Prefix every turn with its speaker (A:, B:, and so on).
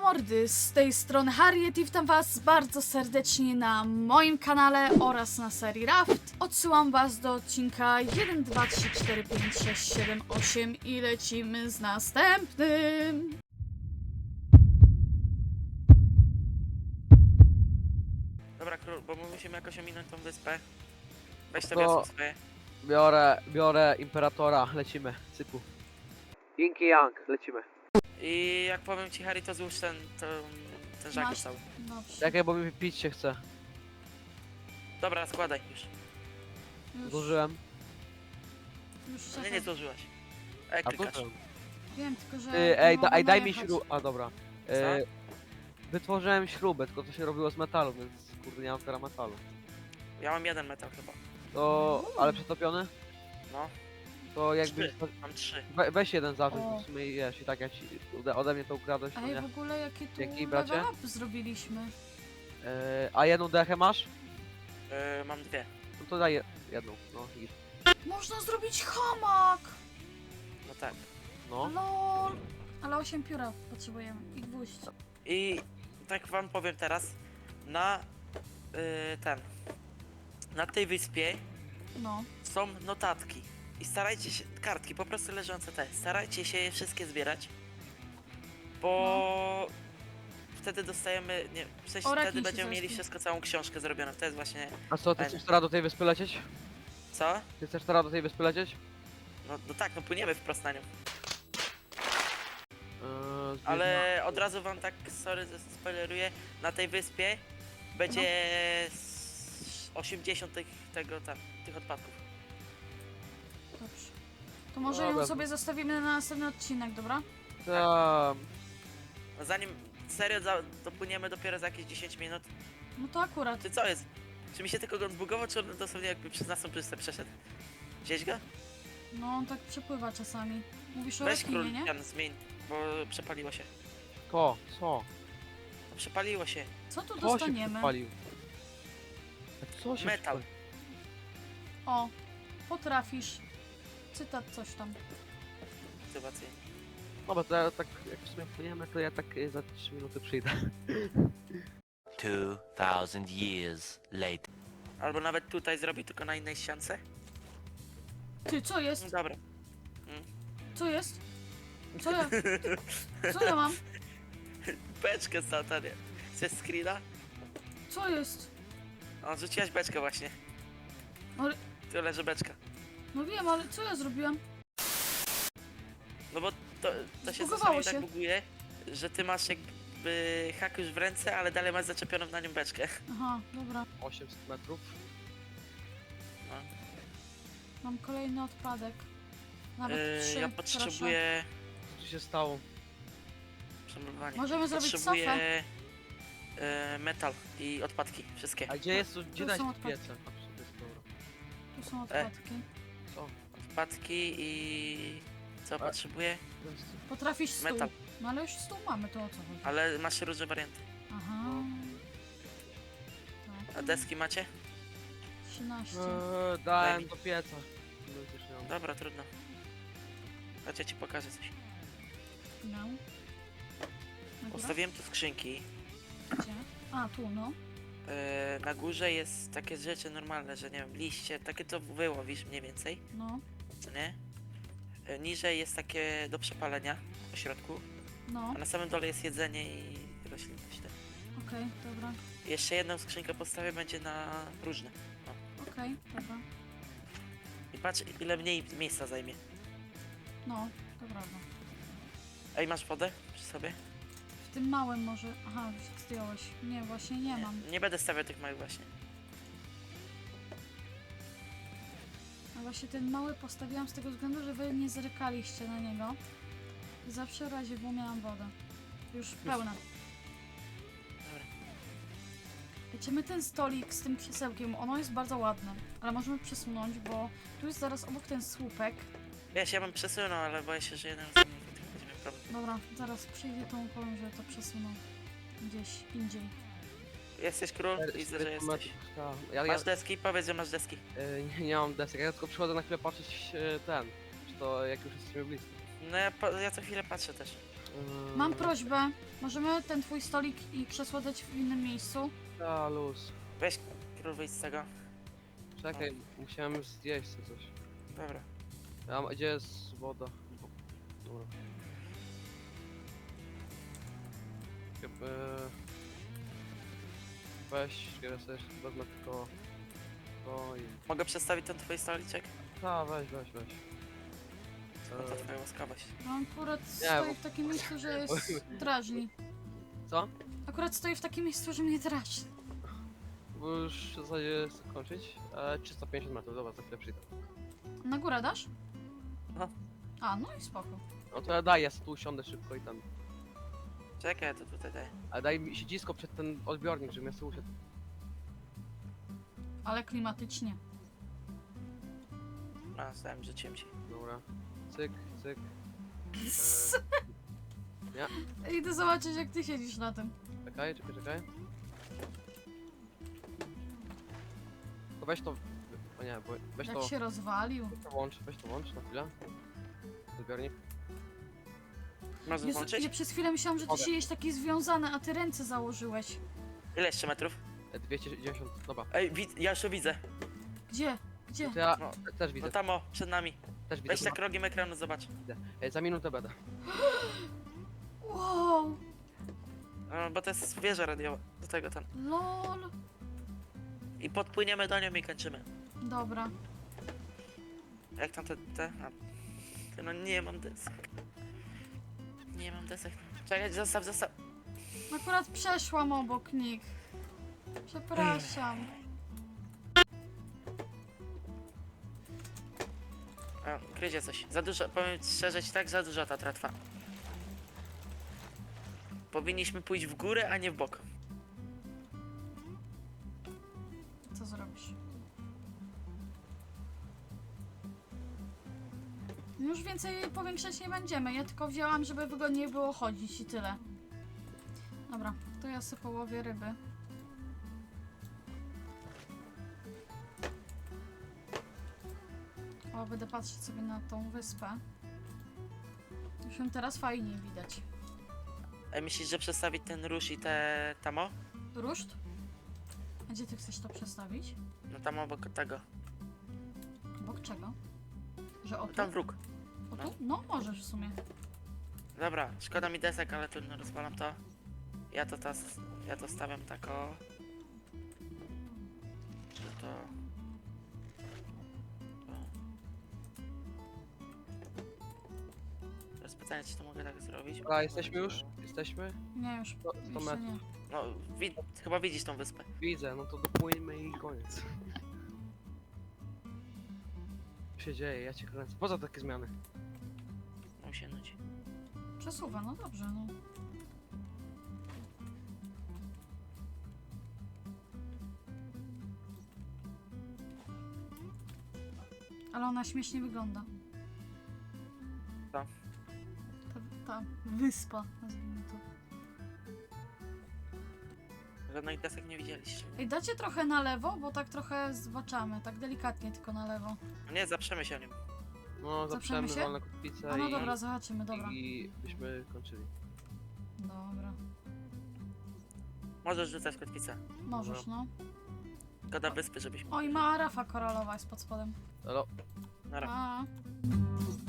A: mordy, z tej strony Harriet i witam was bardzo serdecznie na moim kanale oraz na serii Raft. Odsyłam was do odcinka 1, 2, 3, 4, 5, 6, 7, 8 i lecimy z następnym.
B: Dobra, król, bo my musimy jakoś ominąć tą wyspę. Weź
C: To-
B: to wiosło swoje.
C: Biorę Imperatora, lecimy, cyku. Ying i Yang, lecimy.
B: I jak powiem ci, Harry, to złóż ten żagiel
A: Masz.
B: cały.
A: Dobrze,
C: Czekaj, bo mi pić się chce.
B: Dobra, składaj już.
C: Złożyłem.
A: już
B: Nie,
A: czekaj.
B: nie złożyłaś.
C: A to
B: Klikasz.
C: co?
A: Wiem, tylko że
C: Ty, ej,
A: nie mogę
C: daj mi
A: najechać.
C: śrubę. A dobra. Wytworzyłem śrubę, tylko to się robiło z metalu, więc kurde nie mam teraz metalu.
B: Ja mam jeden metal chyba.
C: To, ale przetopiony?
B: No,
C: To jakby...
B: mam 3.
C: Weź jeden zacząć,
A: O.
C: bo w sumie wiesz, i tak jak ci ode mnie to ukradłeś, to
A: Ej,
C: nie?
A: w ogóle jakie tu
C: Dzięki, bracie.
A: level up zrobiliśmy.
C: A jedną dechę masz?
B: Mam 2.
C: No to daj jedną, no i...
A: Można zrobić hamak!
B: No tak.
C: No.
A: LOL! Ale 8 pióra potrzebujemy i gwóźdź.
B: I tak wam powiem teraz, na na tej wyspie
A: No.
B: są notatki. I starajcie się, kartki po prostu leżące te, starajcie się je wszystkie zbierać. Bo wtedy dostajemy, nie, w sensie
A: O,
B: wtedy
A: rakinie się
B: będziemy mieli
A: zrespią.
B: wszystko, całą książkę zrobioną. To jest właśnie,
C: A co, ty
B: Fajne.
C: chcesz teraz do tej wyspy lecieć?
B: co?
C: Ty chcesz teraz do tej wyspy lecieć?
B: No tak, no płyniemy wprost na nią.
C: Zbierz
B: Ale od razu wam tak, sorry, że spoileruję, na tej wyspie będzie 80 tych odpadków.
A: Dobrze. To może
C: Dobra.
A: ją sobie zostawimy na następny odcinek, dobra?
C: Tam.
B: No zanim serio dopłyniemy dopiero za jakieś 10 minut.
A: No to akurat.
B: Ty co jest? Czy mi się tylko go zbugował, czy on dosłownie jakby przez naszą pustę przeszedł? Gdzieś go?
A: No on tak przepływa czasami. Mówisz o
B: Weź król,
A: rekinie, nie?
B: ten zmień, bo przepaliło się.
C: Co? Co?
B: No, przepaliło się.
A: Co tu
C: Co się
A: dostaniemy?
C: przepalił? A co się
B: Metal.
C: przepalił?
A: O, potrafisz. Cytat coś tam.
B: Motywacyjnie.
C: No bo to ja tak, jak w sumie płyniemy, to ja tak za 3 minuty przyjdę.
D: 2000 years later.
B: Albo nawet tutaj zrobi, tylko na innej ściance.
A: Ty, co
B: No
A: jest?
B: dobra.
A: Co jest? Co ja? Co ja mam?
B: Beczkę satanie. Chcesz screena?
A: Co jest?
B: O, rzuciłaś beczkę właśnie.
A: Ale,
B: Tu leży beczka.
A: no wiem, ale co ja zrobiłem?
B: No bo to się
A: Zbugowało
B: czasami
A: się.
B: tak buguje, że ty masz jakby hak już w ręce, ale dalej masz zaczepioną na nią beczkę.
A: Aha, dobra.
C: 800 metrów.
B: No.
A: Mam kolejny odpadek. Nawet 3,
B: Ja potrzebuję
C: Co tu się stało?
B: przemalowanie.
A: Możemy zrobić
B: Potrzebuję metal i odpadki, wszystkie.
C: A gdzie jest tu? Gdzie
A: Tu
C: dać
A: są
C: te
A: odpadki.
C: piece? A, to jest dobra.
A: Tu są odpadki.
C: Co?
B: Odpadki i co potrzebuję?
A: Potrafisz stół.
B: Metal.
A: No ale już stół mamy, to o co chodzi?
B: Ale masz różne warianty.
A: Aha.
B: A
A: Tak.
B: deski macie?
A: 13.
C: Dałem
B: Daj mi.
C: do pieca. No i też nie mam.
B: Dobra, trudno. Chodź, ja ci pokażę coś.
A: No. Na górę?
B: Postawiłem tu skrzynki.
A: Gdzie? A, tu, no.
B: Na górze jest takie rzeczy normalne, że nie wiem, liście, takie co wyłowisz mniej więcej,
A: No.
B: co nie? Niżej jest takie do przepalenia po środku,
A: No.
B: a na samym dole jest jedzenie i roślinność. Tak.
A: Okej, dobra.
B: Jeszcze jedną skrzynkę postawię, będzie na różne.
A: Okej, dobra.
B: I patrz, ile mniej miejsca zajmie.
A: No, to prawda.
B: Ej, masz wodę przy sobie?
A: W tym małym może... Aha, już zdjąłeś. Nie, właśnie nie mam.
B: Nie będę stawiał tych małych właśnie.
A: A właśnie ten mały postawiłam z tego względu, że wy nie zerkaliście na niego. I zawsze w razie W miałam wodę. Już pełna.
B: Dobra.
A: Wiecie, my ten stolik z tym krzesełkiem, ono jest bardzo ładne. Ale możemy przesunąć, bo tu jest zaraz obok ten słupek.
B: Wiesz, ja bym przesunął, ale boję się, że jeden z nich będzie miał problem.
A: Dobra, zaraz przyjdzie, to mu powiem, że to przesunął gdzieś indziej.
B: Jesteś król? Widzę, że jesteś.
C: Ja
B: Masz deski? Powiedz, że masz deski.
C: nie mam desek, ja tylko przychodzę na chwilę patrzeć ten. Czy to jak już jesteśmy blisko.
B: No ja co chwilę patrzę też.
A: Mam prośbę. Możemy ten twój stolik i krzesło dać w innym miejscu?
C: Ta luz.
B: Weź król wyjść z tego.
C: Czekaj, musiałem zjeść sobie coś.
B: Dobra.
C: Gdzie jest woda? Dobra. Weź, ja sobie wezmę tylko to i...
B: Mogę przestawić ten twój stoliczek?
C: Weź.
B: No to twoja łaskawość.
A: On akurat
C: Nie,
A: stoi
C: bo-
A: w takim miejscu, że jest drażni.
C: Co?
A: Akurat stoi w takim miejscu, że mnie drażni.
C: Bo już w zasadzie chcę kończyć. 350 metrów, dobra, za chwilę przyjdę.
A: Na górę dasz?
B: No.
A: A, no i spoko.
C: No to ja daj, ja sobie tu usiądę szybko i tam.
B: Czekaj, ja to tutaj daję.
C: Ale daj mi siedzisko przed ten odbiornik, żebym ja sobie usiadł.
A: Ale klimatycznie.
B: No, zdałem, rzuciłem ci.
C: Dobra. Cyk.
A: Idę zobaczyć, jak ty siedzisz na tym.
C: Czekaj. To weź to... O nie, bo weź
A: Jak
C: to...
A: się rozwalił.
C: Weź to włącz na chwilę. Odbiornik.
B: Można
A: Jezu,
B: włączyć?
A: ja przez chwilę myślałam, że ty
C: Mogę.
A: siedzisz taki związany, a ty ręce założyłeś.
B: Ile jeszcze metrów?
C: 290, dobra.
B: Ej, ja już to widzę.
A: Gdzie? Gdzie?
C: To ja
B: No,
C: też widzę,
B: No tam o, przed nami.
C: też widzę.
B: Weź tak rogiem ekranu, zobacz.
C: Za minutę będę.
A: Wow!
B: No, bo to jest wieża radiowa. Do tego tam.
A: LOL!
B: I podpłyniemy do nią i kończymy.
A: Dobra.
B: Jak tam te... A. No nie mam desek. Nie mam desek. Czekaj, zostaw.
A: Akurat przeszłam obok nich. Przepraszam.
B: O, kryzie coś. Za dużo, powiem szczerze ci tak, za dużo ta tratwa. Powinniśmy pójść w górę, a nie w bok.
A: Co zrobisz? Już więcej powiększać nie będziemy. Ja tylko wzięłam, żeby wygodniej było chodzić i tyle. Dobra, to ja sobie połowię ryby. O, będę patrzeć sobie na tą wyspę. Już ją teraz fajniej widać.
B: Ej, myślisz, że przestawić ten róż i te tamo?
A: Ruszt? A gdzie ty chcesz to przestawić?
B: No tam obok tego.
A: Obok czego? Że o
B: No
A: tu?
B: tam wróg.
A: O tu? No, możesz w sumie.
B: Dobra, szkoda mi desek, ale trudno, rozwalam to. Ja to stawiam tak o... Że to... Teraz pytanie, czy to mogę tak zrobić?
C: Dobra, jesteśmy już? Jesteśmy?
A: Nie, już
C: 100
A: jeszcze
C: metrów.
A: nie.
B: No, chyba widzisz tą wyspę.
C: Widzę, no to dopłyńmy i koniec. Co się dzieje, ja cię kręcę. Poza takie zmiany.
B: No się nudzi.
A: Przesuwa, no dobrze, no. Ale ona śmiesznie wygląda.
B: Ta?
A: Ta wyspa, nazwijmy to.
B: Żadnych desek nie widzieliście.
A: Ej, dacie trochę na lewo, bo tak trochę zbaczamy, tak delikatnie tylko na lewo.
B: Nie, zaprzemy się o nim.
C: No,
A: Zaprzemy
C: zaprzemy
A: się?
C: wolne kotwice
A: A no
C: i...
A: dobra, zobaczymy, dobra.
C: I byśmy kończyli.
A: Dobra.
B: Możesz rzucać kotwicę.
A: Możesz, no.
B: Szkoda wyspy, żebyśmy...
A: O, i mała rafa koralowa jest pod spodem.
C: Elo.
B: Nara.
A: A.